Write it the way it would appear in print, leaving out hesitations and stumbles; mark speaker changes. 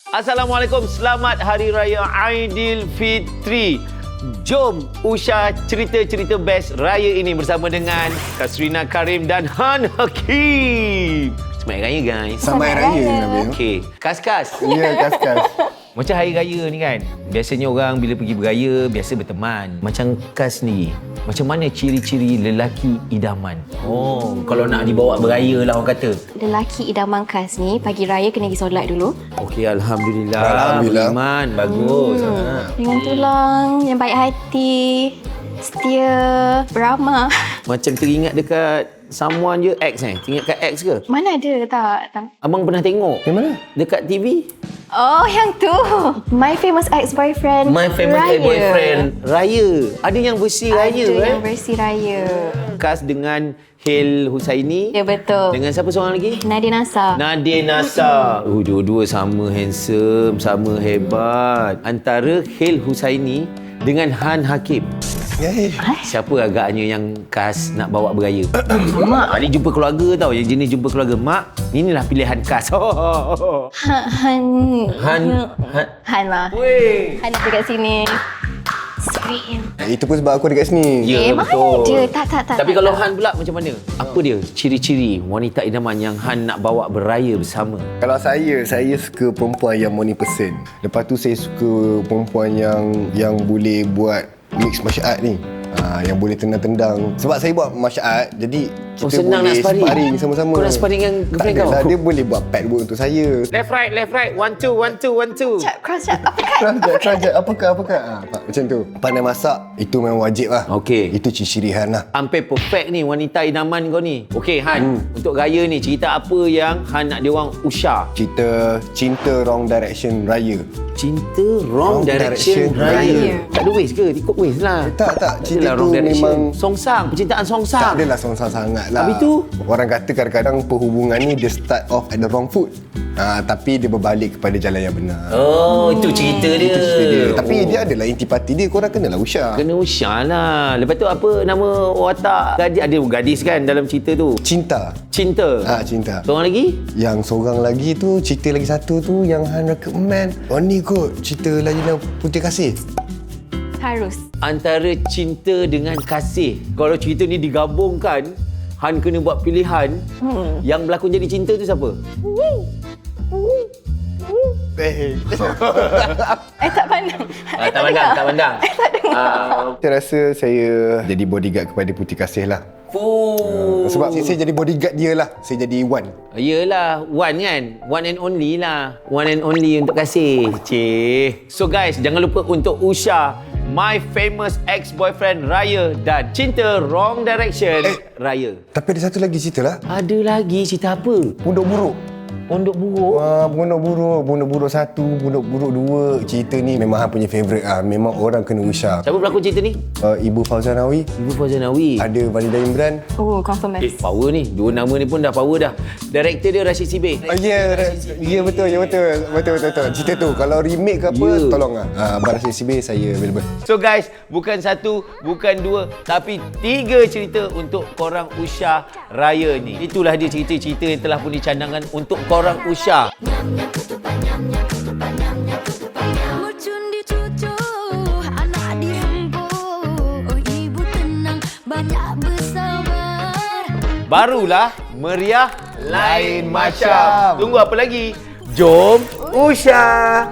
Speaker 1: Assalamualaikum, selamat Hari Raya Aidilfitri. Jom Usha cerita-cerita best raya ini bersama dengan Kasrina Karim dan Han Hakim. Selamat Raya guys.
Speaker 2: Selamat Raya Nabil.
Speaker 1: Okey, Kas-Kas.
Speaker 2: Ya, Kas-Kas.
Speaker 1: Macam Hari Raya ni kan, biasanya orang bila pergi beraya, biasa berteman. Macam Kas ni, macam mana ciri-ciri lelaki idaman? Oh, kalau nak dibawa beraya lah orang kata.
Speaker 3: Lelaki idaman Kas ni, pagi raya kena pergi solat dulu.
Speaker 1: Okey, Alhamdulillah.
Speaker 2: Alhamdulillah.
Speaker 1: Beriman, bagus.
Speaker 3: Dengan tulang, yang baik hati, setia, beramah.
Speaker 1: Macam teringat dekat someone je, X Teringat kat X ke?
Speaker 3: Mana ada tak?
Speaker 1: Abang pernah tengok.
Speaker 2: Yang mana?
Speaker 1: Dekat TV.
Speaker 3: Oh, yang tu. My Famous Ex-Boyfriend
Speaker 1: My Famous
Speaker 3: Raya.
Speaker 1: Ex-Boyfriend Raya. Ada yang versi Raya
Speaker 3: Ada yang versi raya.
Speaker 1: Kas dengan Hel Husaini.
Speaker 3: Ya, betul.
Speaker 1: Dengan siapa seorang lagi?
Speaker 3: Nadia Nasa.
Speaker 1: Nadia Nasa. Dua-dua sama handsome, sama hebat. Antara Hel Husaini dengan Han Hakim. Siapa agaknya yang Kas nak bawa beraya? Mak. Ni jumpa keluarga tau. Yang jenis jumpa keluarga. Mak, inilah pilihan Kas.
Speaker 3: Han lah.
Speaker 1: Weh.
Speaker 3: Han ada kat sini. Sweet.
Speaker 2: Itu pun sebab aku dekat sini.
Speaker 1: Ya,
Speaker 3: mana
Speaker 1: betul.
Speaker 3: ada? Tak.
Speaker 1: Tapi kalau Han pula macam mana? Apa dia ciri-ciri wanita idaman yang Han nak bawa beraya bersama?
Speaker 2: Kalau saya suka perempuan yang money person. Lepas tu saya suka perempuan yang boleh buat mix martial art ni. Yang boleh tendang-tendang. Sebab saya buat martial art, jadi kita
Speaker 1: senang nak
Speaker 2: boleh sparring sama-sama.
Speaker 1: Kau nak sparring dengan girlfriend kau?
Speaker 2: Dia boleh buat pad work untuk saya.
Speaker 1: Left right. 1 2 1 2 1 2.
Speaker 3: Cross check. Apa kan?
Speaker 2: Kerajat, apakah? Macam tu. Pandai masak, itu memang wajib lah.
Speaker 1: Okey.
Speaker 2: Itu ciri Han lah.
Speaker 1: Hampir perfect ni wanita idaman kau ni. Okey Han, untuk raya ni cerita apa yang Han nak dia orang Usha?
Speaker 2: Cerita Cinta Wrong Direction Raya.
Speaker 1: Cinta Wrong Direction Raya. Tak ada waste ke? Ikut waste lah.
Speaker 2: Tak. Cerita
Speaker 1: Adalah
Speaker 2: tu
Speaker 1: Wrong Direction.
Speaker 2: memang
Speaker 1: Songsang, percintaan
Speaker 2: tak
Speaker 1: songsang.
Speaker 2: adalah songsang sangat lah.
Speaker 1: Habis tu?
Speaker 2: Orang kata kadang-kadang perhubungan ni dia start off at the wrong foot. Tapi dia berbalik kepada jalan yang benar.
Speaker 1: Oh, itu cerita dia.
Speaker 2: Itu cerita dia. Tapi dia adalah intipati dia. Korang kenalah Usha.
Speaker 1: Kena Usha lah. Lepas tu apa nama watak gadis? Ada gadis kan dalam cerita tu?
Speaker 2: Cinta.
Speaker 1: Cinta.
Speaker 2: Cinta.
Speaker 1: Seorang lagi?
Speaker 2: Yang seorang lagi tu, cerita lagi satu tu yang Han recommend. Oh ni kot, cerita Lagina Putih Kasih.
Speaker 3: Harus.
Speaker 1: Antara cinta dengan kasih. Kalau cerita ni digabungkan, Han kena buat pilihan. Yang berlakon jadi cinta tu siapa?
Speaker 3: Tak pandang.
Speaker 1: Tak pandang.
Speaker 2: Saya rasa saya jadi bodyguard kepada Putih Kasih lah. Sebab saya jadi bodyguard dia lah. Saya jadi Wan.
Speaker 1: Yelah, one kan? One and only lah. One and only untuk kasih. So guys, jangan lupa untuk Usha My Famous Ex-Boyfriend Raya dan Cinta Wrong Direction Raya.
Speaker 2: Tapi ada satu lagi cerita lah.
Speaker 1: Ada lagi cerita apa?
Speaker 2: Pondok Buruk.
Speaker 1: Pondok Buruk?
Speaker 2: Pondok Buruk 1, Pondok Buruk 2. Cerita ni memang Han punya favourite lah. Memang orang kena Usha.
Speaker 1: Siapa berlakon cerita ni?
Speaker 2: Ibu Fauzanawi.
Speaker 1: Ibu Fauzanawi.
Speaker 2: Ada Valida Imran.
Speaker 3: Oh, confirm best.
Speaker 1: Power ni. Dua nama ni pun dah power dah. Director dia Rashid Sibeh.
Speaker 2: Ya betul. Cerita tu kalau remake ke apa, tolong lah. Abang Rashid Sibeh saya available.
Speaker 1: So guys, bukan satu, bukan dua, tapi 3 cerita untuk korang Usha Raya ni. Itulah dia cerita-cerita yang telah pun dicadangkan untuk korang Usha.
Speaker 4: Bercundi cucu, anak dihembu. Oh ibu tenang, banyak bersabar.
Speaker 1: Barulah meriah lain macam. Tunggu apa lagi? Jom Usha.